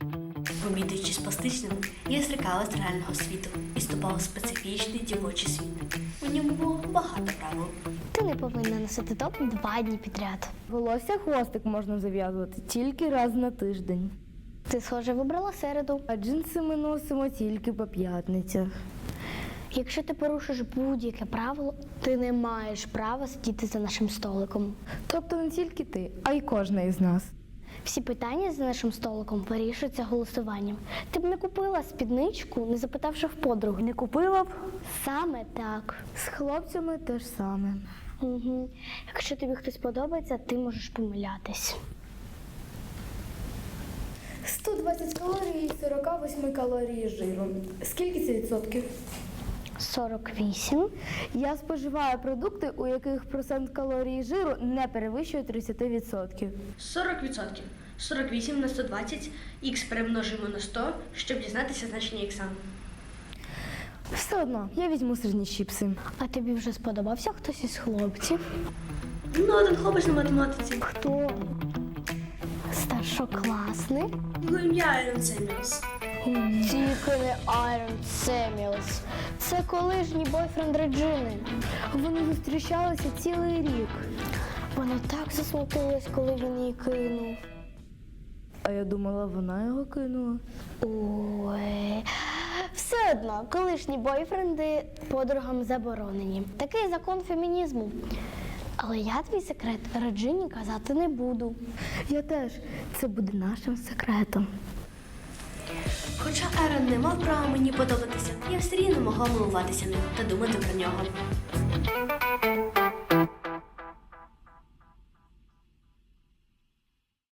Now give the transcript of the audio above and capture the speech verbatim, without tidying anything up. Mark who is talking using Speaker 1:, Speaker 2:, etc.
Speaker 1: Обідаючи з пластичними, я зрікалась з реального світу і вступала в специфічний дівочий світ. У ньому було багато правил.
Speaker 2: Ти не повинна носити топ два дні підряд.
Speaker 3: Волосся хвостик можна зав'язувати тільки раз на тиждень.
Speaker 2: Ти, схоже, вибрала середу.
Speaker 3: А джинси ми носимо тільки по п'ятницях.
Speaker 2: Якщо ти порушиш будь-яке правило, ти не маєш права сидіти за нашим столиком.
Speaker 3: Тобто не тільки ти, а й кожна із нас.
Speaker 2: Всі питання за нашим столиком вирішуються голосуванням. Ти б не купила спідничку, не запитавши в подруги.
Speaker 3: Не купила б?
Speaker 2: Саме так.
Speaker 3: З хлопцями те ж саме.
Speaker 2: Угу. Якщо тобі хтось подобається, ти можеш помилятись.
Speaker 3: сто двадцять калорій, сорок вісім калорій жиру. Скільки це відсотків?
Speaker 2: сорок вісім.
Speaker 3: Я споживаю продукти, у яких процент калорій жиру не перевищує тридцять відсотків.
Speaker 1: сорок відсотків. сорок вісім на сто двадцять, х перемножуємо на сто, щоб дізнатися значення ікса.
Speaker 3: Все одно, я візьму сирні чіпси.
Speaker 2: А тобі вже сподобався хтось із хлопців?
Speaker 1: Ну, один хлопець на математиці.
Speaker 2: Хто? Старшокласник?
Speaker 1: Його ім'я Айрон Семілс.
Speaker 2: Тільки не Айрон Семілс. Це колишній бойфренд Реджини.
Speaker 3: Вони зустрічалися цілий рік.
Speaker 2: Вона так засмутилась, коли він її кинув.
Speaker 3: А я думала, вона його кинула.
Speaker 2: Ой. Все одно, колишні бойфренди подругам заборонені. Такий закон фемінізму. Але я твій секрет Реджині казати не буду.
Speaker 3: Я теж. Це буде нашим секретом.
Speaker 1: Хоча Ерон не мав права мені подобатися, я все рівно могла милуватися ним та думати про нього.